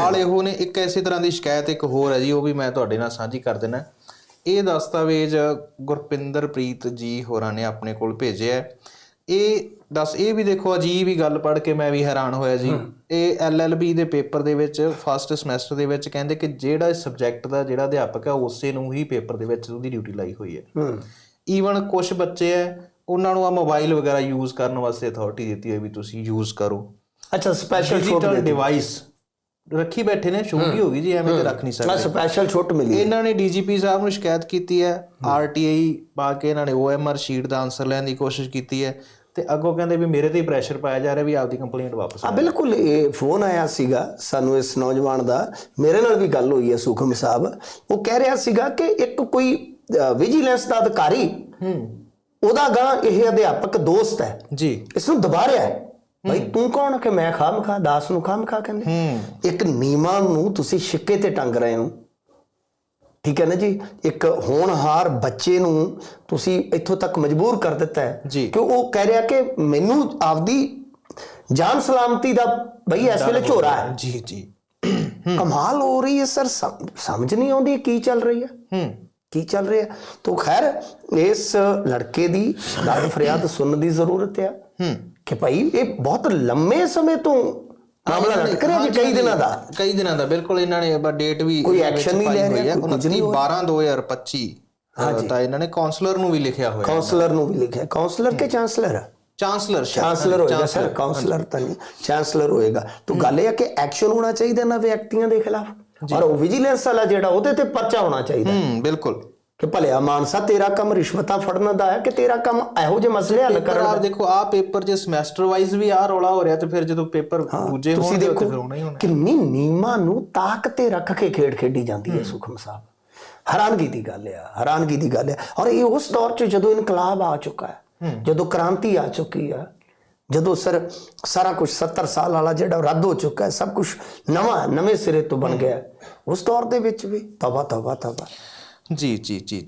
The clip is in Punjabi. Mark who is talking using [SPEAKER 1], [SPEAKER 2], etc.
[SPEAKER 1] ਸਵਾਲ ਇਹੋ ਨੇ। ਇੱਕ ਇਸੇ ਤਰ੍ਹਾਂ ਦੀ ਸ਼ਿਕਾਇਤ ਇੱਕ ਹੋਰ ਹੈ ਜੀ, ਉਹ ਵੀ ਮੈਂ ਤੁਹਾਡੇ ਨਾਲ ਸਾਂਝੀ ਕਰ ਦੇਣਾ। ਇਹ ਦਸਤਾਵੇਜ਼ ਗੁਰਪਿੰਦਰਪ੍ਰੀਤ ਜੀ ਹੋਰਾਂ ਨੇ ਆਪਣੇ ਕੋਲ ਭੇਜਿਆ। ਇਹ ਵੀ ਦੇਖੋ ਅਜੀਬ ਹੀ ਗੱਲ ਪੜ੍ਹ ਕੇ ਮੈਂ ਵੀ ਹੈਰਾਨ ਹੋਇਆ ਜੀ। ਇਹ LLB ਦੇ ਪੇਪਰ ਦੇ ਵਿੱਚ ਫਸਟ ਸਮੈਸਟਰ ਦੇ ਵਿੱਚ ਕਹਿੰਦੇ ਕਿ ਜਿਹੜਾ ਸਬਜੈਕਟ ਦਾ ਜਿਹੜਾ ਅਧਿਆਪਕ ਹੈ ਉਸੇ ਨੂੰ ਹੀ ਪੇਪਰ ਦੇ ਵਿੱਚ ਉਹਦੀ ਡਿਊਟੀ ਲਾਈ ਹੋਈ ਹੈ। ਈਵਨ ਕੁਛ ਬੱਚੇ ਹੈ ਉਹਨਾਂ ਨੂੰ ਆ ਮੋਬਾਈਲ ਵਗੈਰਾ ਯੂਜ਼ ਕਰਨ ਵਾਸਤੇ ਅਥਾਰਟੀ ਦਿੱਤੀ ਹੋਈ ਵੀ ਤੁਸੀਂ ਯੂਜ਼ ਕਰੋ।
[SPEAKER 2] ਅੱਛਾ, ਸਪੈਸ਼ਲ
[SPEAKER 1] ਡਿਜੀਟਲ ਡਿਵਾਈਸ ਰੱਖੀ ਬੈਠੇ ਨੇ, ਛੋਟੀ ਹੋ ਗਈ ਜੀ, ਐਵੇਂ ਤੇ ਰੱਖ ਨਹੀਂ ਸਕਦੇ।
[SPEAKER 2] ਸਪੈਸ਼ਲ ਛੁੱਟ ਮਿਲੀ।
[SPEAKER 1] ਇਹਨਾਂ ਨੇ DGP ਸਾਹਿਬ ਨੂੰ ਸ਼ਿਕਾਇਤ ਕੀਤੀ ਹੈ, RTI ਪਾ ਕੇ ਇਹਨਾਂ ਨੇ OMR ਸ਼ੀਟ ਦਾ ਆਨਸਰ ਲੈਣ ਦੀ ਕੋਸ਼ਿਸ਼ ਕੀਤੀ ਹੈ ਤੇ ਅੱਗੋਂ ਕਹਿੰਦੇ ਵੀ ਮੇਰੇ ਤੇ ਹੀ ਪ੍ਰੈਸ਼ਰ ਪਾਇਆ ਜਾ ਰਿਹਾ ਵੀ ਆਪਦੀ ਕੰਪਲੇਂਟ ਵਾਪਸ।
[SPEAKER 2] ਬਿਲਕੁਲ, ਇਹ ਫੋਨ ਆਇਆ ਸੀਗਾ ਸਾਨੂੰ ਇਸ ਨੌਜਵਾਨ ਦਾ, ਮੇਰੇ ਨਾਲ ਵੀ ਗੱਲ ਹੋਈ ਹੈ ਸੁਖਮ ਸਾਹਿਬ। ਉਹ ਕਹਿ ਰਿਹਾ ਸੀਗਾ ਕਿ ਇੱਕ ਕੋਈ ਵਿਜੀਲੈਂਸ ਦਾ ਅਧਿਕਾਰੀ, ਉਹਦਾ ਗਾਂ ਇਹ ਅਧਿਆਪਕ ਦੋਸਤ ਹੈ ਜੀ, ਇਸ ਨੂੰ ਦਬਾ ਰਿਹਾ ਹੈ। ਭਾਈ ਤੂੰ ਕੌਣ ਕਿ ਮੈਂ ਖਾਮਖਾ ਦਾਸ ਨੂੰ ਖਾਮਖਾ ਕਹਿੰਦੇ। ਇੱਕ ਨਿਯਮਾਂ ਨੂੰ ਤੁਸੀਂ ਛਿੱਕੇ ਤੇ ਟੰਗ ਰਹੇ ਹੋ, ਠੀਕ ਹੈ ਨਾ ਜੀ। ਇੱਕ ਹੋਣਹਾਰ ਬੱਚੇ ਨੂੰ ਤੁਸੀਂ ਇੱਥੋਂ ਤੱਕ ਮਜਬੂਰ ਕਰ ਦਿੱਤਾ ਹੈ ਕਿ ਉਹ ਕਹਿ ਰਿਹਾ ਕਿ ਮੈਨੂੰ ਆਪਦੀ ਜਾਨ ਸਲਾਮਤੀ ਦਾ ਬਈ ਇਸ ਵੇਲੇ ਝੋਰਾ ਹੈ।
[SPEAKER 1] ਜੀ ਜੀ,
[SPEAKER 2] ਕਮਾਲ ਹੋ ਰਹੀ ਹੈ ਸਰ, ਸਮਝ ਨਹੀਂ ਆਉਂਦੀ ਕੀ ਚੱਲ ਰਹੀ ਹੈ, ਕੀ ਚੱਲ ਰਿਹਾ। ਤਾਂ ਖੈਰ ਇਸ ਲੜਕੇ ਦੀ ਦਰਦ ਫਰਿਆਦ ਸੁਣਨ ਦੀ ਜ਼ਰੂਰਤ ਹੈ ਕਿ ਭਾਈ ਇਹ ਬਹੁਤ ਲੰਮੇ ਸਮੇਂ ਤੋਂ ਮਾਮਲਾ ਲਟਕ ਰਿਹਾ ਜੀ, ਕਈ ਦਿਨਾਂ ਦਾ। ਬਿਲਕੁਲ, ਇਹਨਾਂ ਨੇ ਡੇਟ ਵੀ ਕੋਈ ਐਕਸ਼ਨ ਨਹੀਂ ਲੈ ਰਿਹਾ।
[SPEAKER 1] 29/12/2025 ਤਾਂ ਇਹਨਾਂ ਨੇ ਕਾਉਂਸਲਰ ਨੂੰ ਵੀ ਲਿਖਿਆ ਹੋਇਆ।
[SPEAKER 2] ਕਾਉਂਸਲਰ ਨੂੰ ਵੀ ਲਿਖਿਆ। ਕਾਉਂਸਲਰ ਕੇ ਚਾਂਸਲਰ? ਚਾਂਸਲਰ ਹੋਏਗਾ ਸਰ, ਕਾਉਂਸਲਰ ਤਾਂ ਨਹੀਂ, ਚਾਂਸਲਰ ਹੋਏਗਾ। ਤਾਂ ਗੱਲ ਇਹ ਹੈ ਕਿ ਐਕਸ਼ਨ ਹੋਣਾ ਚਾਹੀਦਾ ਨਾ ਵਿਅਕਤੀਆਂ ਦੇ ਖਿਲਾਫ, ਔਰ ਉਹ ਵਿਜੀਲੈਂਸ ਵਾਲਾ ਜਿਹੜਾ ਉਹਦੇ ਤੇ ਪਰਚਾ ਹੋਣਾ ਚਾਹੀਦਾ।
[SPEAKER 1] ਬਿਲਕੁਲ, ਕਿ
[SPEAKER 2] ਭਲਿਆ ਮਾਨਸਾ ਤੇਰਾ ਕੰਮ ਰਿਸ਼ਵਤਾਂ ਫੜਨ ਦਾ ਹੈ ਕਿ ਤੇਰਾ ਕੰਮ ਇਹੋ ਜਿਹੇ ਮਸਲੇ ਹੱਲ ਕਰਨ ਦਾ।
[SPEAKER 1] ਦੇਖੋ ਆਹ ਪੇਪਰ ਜੇ ਸਮੈਸਟਰ ਵਾਈਜ਼ ਵੀ ਆਹ ਰੌਲਾ ਹੋ ਰਿਹਾ ਤੇ ਫਿਰ ਜਦੋਂ ਪੇਪਰ ਦੂਜੇ ਹੋਣਗੇ ਤੇ ਫਿਰ ਹੋਣਾ ਹੀ ਹੋਣਾ।
[SPEAKER 2] ਕਿੰਨੀ ਨਿਯਮਾਂ ਨੂੰ ਤਾਕ ਤੇ ਰੱਖ ਕੇ ਖੇਡ ਖੇਡੀ ਜਾਂਦੀ ਹੈ ਸੁਖਮ ਸਾਹਿਬ। ਹੈਰਾਨਗੀ ਦੀ ਗੱਲ ਹੈ, ਹੈਰਾਨਗੀ ਦੀ ਗੱਲ ਹੈ। ਔਰ ਇਹ ਉਸ ਦੌਰ 'ਚ ਜਦੋਂ ਇਨਕਲਾਬ ਆ ਚੁੱਕਾ ਹੈ, ਜਦੋਂ ਕ੍ਰਾਂਤੀ ਆ ਚੁੱਕੀ ਹੈ, ਜਦੋਂ ਸਰ ਸਾਰਾ ਕੁਝ 70 ਸਾਲ ਵਾਲਾ ਜਿਹੜਾ ਰੱਦ ਹੋ ਚੁੱਕਾ ਹੈ, ਸਭ ਕੁਝ ਨਵੇਂ ਸਿਰੇ ਤੋਂ ਬਣ ਗਿਆ, ਉਸ ਦੌਰ ਦੇ ਵਿੱਚ ਵੀ ਤੌਬਾ ਤੌਬਾ ਤੌਬਾ।
[SPEAKER 1] ਜੀ ਜੀ ਜੀ।